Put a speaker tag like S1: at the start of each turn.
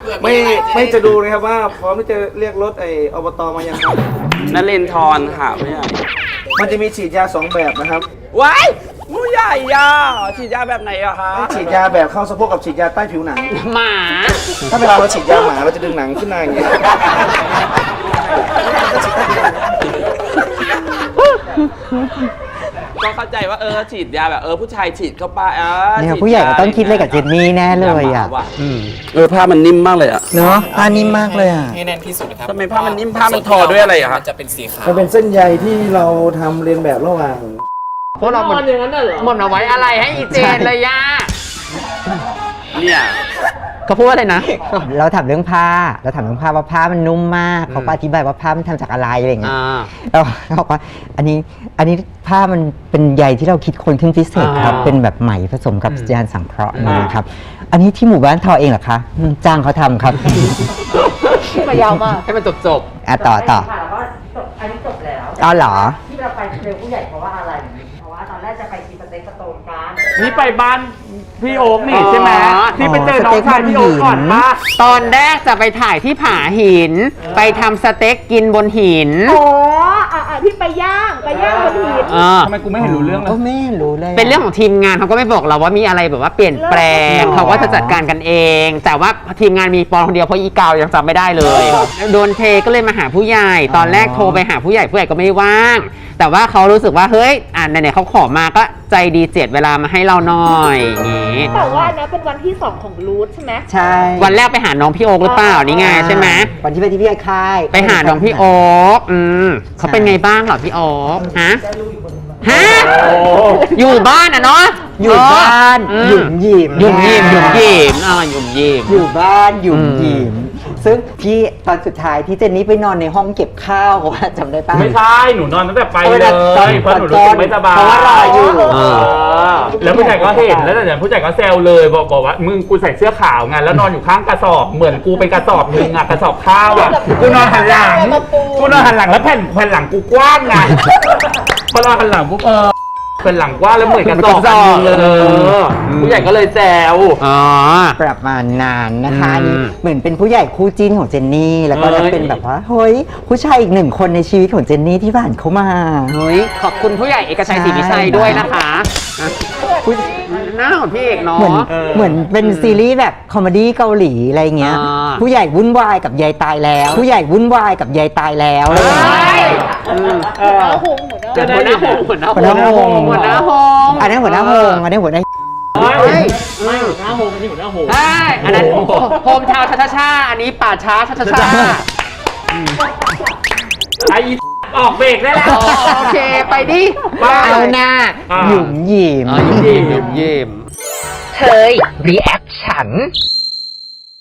S1: ไม่จะดูนะครับว่าพร้อมที่จะเรียกรถอบตมายังครับ
S2: นเรนทรค่ะผู้ใหญ่
S1: มันจะมีฉีดยา2แบบนะครับ
S2: ว้ายผู้ใหญ่ยาฉีดยาแบบไหนอะคะ
S1: ฉีดยาแบบเข้าสะโพกกับฉีดยาใต้ผิวหนัง
S2: หมา
S1: ถ้าเวลาเราฉีดยาหมาเราจะดึงหนังขึ้นมาอย่างนี้
S2: ก็เข้าใจว่าฉีดยาแบบผู้ชายฉีดเข้าไป
S3: เนี่ยผู้ใหญ่ก็ต้องคิดอะไรกับเจนนี่แน่เลยอ่ะ
S2: ผ้ามันนิ่มมากเลยอะ
S3: เนาะผ้านิ่มมากเลยอ่ะ
S4: ให้แน่นที่สุดนะครับ
S2: ทำไมผ้ามันนิ่มผ้ามันทอด้วยอะไรอะครับ
S4: จะเป็นสีขาว
S1: มันเป็นเส้นใยที่เราทำเรียนแบบระหว่าง
S5: พวกเราหมดเอาไว้อะไรให้อีเจนเลยย่า
S2: เนี่ย
S5: เขาพูดว่าอะไรนะ
S3: เราถามเรื่องผ้าว่าผ้ามันนุ่มมากเขาก็อธิบายว่าผ้ามันทำจากอะไรอะไรอย่างเงี้ยแล้วเขาบอกว่าอันนี้ผ้ามันเป็นใยที่เราคิดค้นขึ้นพิเศษครับเป็นแบบไหมผสมกับยานสังเคราะห์นะครับอันนี้ที่หมู่บ้านทอเองเหรอคะจ้างเขาทำครับ
S5: มายาวมากให้มันจบ
S3: ต่อ
S6: ค่ะแล้วก็จบอันนี้จบแล้ว
S3: อ๋อเหรอ
S6: ที่เราไปเจอผู้ใหญ่เพราะว่าอะไร เพราะว่าตอนแรกจะไปกินสเต็กสโตนกัน
S7: นี่ไปบ้านพี่โอ๊กนี่ใช่ไหมที่ไปเจอน้องชายพี่โอ๊กก่อนมา
S5: ตอนแรกจะไปถ่ายที่ผาหิน ไปทำสเต็กกินบนหิน
S6: อ๋อที่ไปย่างบนหิน
S7: ทำไมกูไม่เห็นรู้เรื่องเลย
S3: ก็ไม่รู้เลย
S5: เป็นเรื่องของทีมงานเขาก็ไม่บอกเราว่ามีอะไรแบบว่าเปลี่ยนแปลงเขาก็จะจัดการกันเอง แต่ว่าทีมงานมีปอนคนเดียวเพราะอีกาวยังจำไม่ได้เลยโดนเทก็เลยมาหาผู้ใหญ่ตอนแรกโทรไปหาผู้ใหญ่ก็ไม่ว่าง แต่ว่าเขารู้สึกว่าเฮ้ยไหนๆเขาขอมาก็ใจดีเจ็ดเวลามาให้เราหน่อยอย่างงี้
S6: แต่ว่าอันนั้นเป็นวันที่ 2 ของรูทใช่ไหม
S3: ใช่
S5: วันแรกไปหาน้องพี่โอ๊กหรือเปล่านี่ไงใช่ไหม
S3: วันที่ไปที่พี่ไอ้ค่าย
S5: ไปหาน้องพี่โอ๊กเขาเป็นไงบ้างเหรอพี่โอ๊กฮะอยู่บ้านอ่ะเนาะ
S3: อยู่บ้านหยุ่มหยิม
S5: หยุ่มยิมหยุ่มยิมหยุ่มยิม
S3: อยู่บ้านหยุ่มหยิมซึ่งพี่ตอนสุดท้ายที่เจนนี่ไปนอนในห้องเก็บข้าวว่าจำได้ป่ะ
S7: ไม่ใช่หนูนอนตั้งแต่ไปเลยเพราะหนูรู้สึกไม่สบาย
S3: เพราะว่ารออยู่
S7: แล้วผู้ชายก็เห็นแล้วแต่ผู้ชายก็แซวเลยบอกว่ามึงกูใส่เสื้อขาวไงแล้วนอนอยู่ข้างกระสอบเหมือนกูเป็นกระสอบนึงอะกระสอบข้าวอะกูนอนหันหลังแล้วแผ่นหลังกูกว้างไงพอนอนหันหลังปุ๊บเป็นหลังกว้างแล้วเหมือนกระสอบนึงเลยผู้ใหญ่ก็เลยแซว
S3: ประมาณนานนะคะอันนี้เหมือนเป็นผู้ใหญ่คู่จิ้นของเจนนี่แล้วก็จะเป็นแบบว่าเฮ้ยผู้ชายอีกหนึ่งคนในชีวิตของเจนนี่ที่ผ่านเข้ามา
S5: เฮ้ยขอบคุณผู้ใหญ่เอกชัยศรีวิชัยด้วยนะคะหน้าของพี่เอกเนาะ
S3: เหมือนเป็นซีรีส์แบบคอมเมดี้เกาหลีอะไรเงี้ยผู้ใหญ่วุ่นวายกับยายตายแล้วผู้ใหญ่วุ่นวายกับยายตายแล้วอะไรอย่างเงี้ย
S5: หัวหน้าโฮม
S3: หัวหน้าโฮม อันนั้นหัวหน้าโฮมอันนี้หัวหน้า
S7: ไม่หัวหน้าโฮมนี่หัวหน้าโฮม
S5: ใช่อันนั้นโฮมทาวน์ชาอันนี้ป่าช้าชา
S7: ไอออกเบรกได้แล้ว
S5: โอเคไปดิ
S3: เอาหน้าหยุ่มหยิม
S5: ยิ้ม
S3: เธอรีแอคชั่น